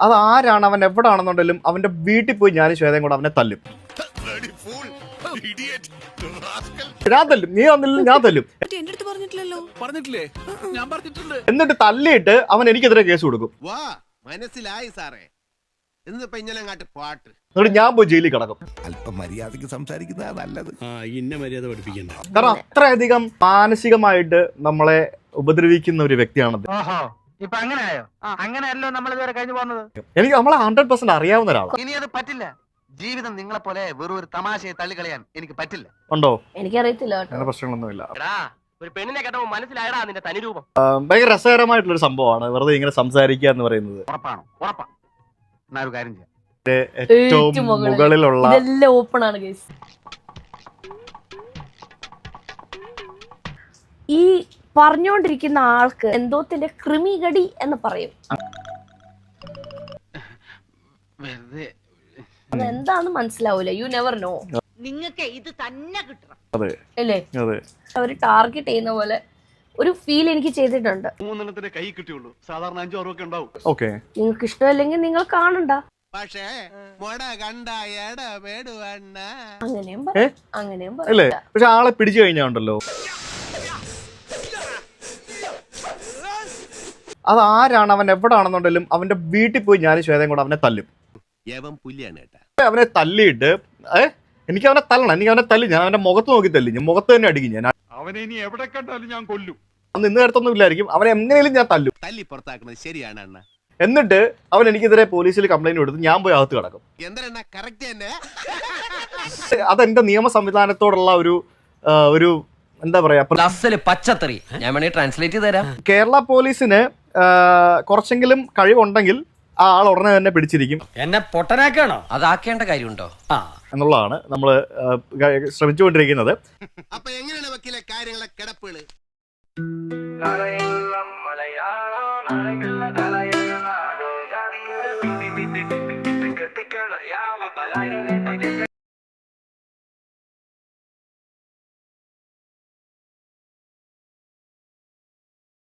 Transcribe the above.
അത് ആരാണ് അവൻ എവിടാണെന്നുണ്ടെങ്കിലും അവന്റെ വീട്ടിൽ പോയി ഞാനും ശ്വേതയും കൂടെ അവനെ തല്ലും. ഞാൻ തല്ലും, നീ വന്നില്ല ഞാൻ തല്ലും. എന്നിട്ട് തല്ലിയിട്ട് അവൻ എനിക്കെതിരെ കേസ് കൊടുക്കും. മനസ്സിലായി സാറേ. എന്നിട്ട് ഞാൻ പോയി ജയിലിൽ കിടക്കും. അല്പം മര്യാദയ്ക്ക് സംസാരിക്കുന്നതാ നല്ലത്. മര്യാദ പഠിപ്പിക്കണ്ട. കാരണം അത്രയധികം മാനസികമായിട്ട് നമ്മളെ ഉപദ്രവിക്കുന്ന ഒരു വ്യക്തിയാണത്. എനിക്ക് നമ്മളെ 100% അറിയാവുന്ന ഒരാളാണ്. ഇനി അത് പറ്റില്ല. ജീവിതം നിങ്ങളെ പോലെ വെറും ഒരു തമാശയെ തള്ളിക്കളയാൻ എനിക്ക് പറ്റില്ല. ഉണ്ടോ? എനിക്കറിയത്തില്ല. അങ്ങനെ പ്രശ്നങ്ങളൊന്നുമില്ല. ഒരു പെണ്ണിനെ കേട്ടപ്പോ മനസ്സിലായടാ നിന്റെ തനിരൂപം. ഭയങ്കര രസകരമായിട്ടുള്ള ഒരു സംഭവമാണ് വെറുതെ ഇങ്ങനെ സംസാരിക്കുക എന്ന് പറയുന്നത്. ഉറപ്പാണ്. എന്നാ ഒരു കാര്യം ചെയ്യാം. ഏറ്റവും മുകളിലുള്ള ഇതെല്ലാം ഓപ്പൺ ആണ് ഗയ്സ്. ഈ പറഞ്ഞോണ്ടിരിക്കുന്ന ആൾക്ക് എന്തോത്തിന്റെ ക്രിമികടി എന്ന് പറയും. അതെന്താന്ന് മനസ്സിലാവൂല. You never know. നിങ്ങൾക്ക് ഇത് തന്നെ കിട്ടണം അല്ലേ? അവര് ടാർഗറ്റ് ചെയ്യുന്ന പോലെ ഒരു ഫീൽ എനിക്ക് ചെയ്തിട്ടുണ്ട്. 3 കൈ കിട്ടിയുള്ളൂ. സാധാരണ 5-6 ഒക്കെ ഉണ്ടാവും. ഓക്കെ, നിങ്ങൾക്ക് ഇഷ്ടമല്ലെങ്കിൽ നിങ്ങൾ കാണണ്ട. പക്ഷേ അങ്ങനെയും അല്ലേ? പക്ഷെ ആളെ പിടിച്ചു കഴിഞ്ഞാ ഉണ്ടല്ലോ, അത് ആരാണ് അവൻ എവിടാണെന്നുണ്ടെങ്കിലും അവന്റെ വീട്ടിൽ പോയി ഞാനും ശ്വേതയും കൂടെ അവനെ തല്ലും. അവനെ തല്ലിയിട്ട് എനിക്ക് അവനെ തല്ലണം, എനിക്ക് അവനെ തല്ലി, ഞാൻ അവന്റെ മുഖത്ത് നോക്കി തല്ലി, ഞാൻ മുഖത്ത് തന്നെ അടിക്കും. ഞാൻ അവനെ ഇനി എവിടെ കണ്ടാലും ഞാൻ കൊല്ലും. അന്ന് ഇന്ന് നേരത്തൊന്നും ഇല്ലായിരിക്കും, അവനെ എങ്ങനെയും ഞാൻ തല്ലും. തല്ലി പുറത്താക്കുന്നത് ശരിയാണ് അണ്ണ. എന്നിട്ട് അവൻ എനിക്കെതിരെ പോലീസിൽ കംപ്ലൈന്റ് കൊടുത്ത് ഞാൻ പോയി അകത്ത് കിടക്കും. അതെന്റെ നിയമ സംവിധാനത്തോടുള്ള ഒരു എന്താ പറയാ, പച്ചത്തറി. ഞാൻ വേണമെങ്കിൽ ട്രാൻസ്ലേറ്റ് ചെയ്ത് തരാം. കേരള പോലീസിന് കുറച്ചെങ്കിലും കഴിവുണ്ടെങ്കിൽ ആ ആൾ ഉടനെ തന്നെ പിടിച്ചിരിക്കും. എന്നെ പൊട്ടനാക്കാണോ? അതാക്കേണ്ട കാര്യമുണ്ടോ എന്നുള്ളതാണ് നമ്മൾ ശ്രമിച്ചുകൊണ്ടിരിക്കുന്നത്. അപ്പൊ എങ്ങനെയാണ് വക്കീലെ കാര്യങ്ങളെ കിടപ്പുകള്?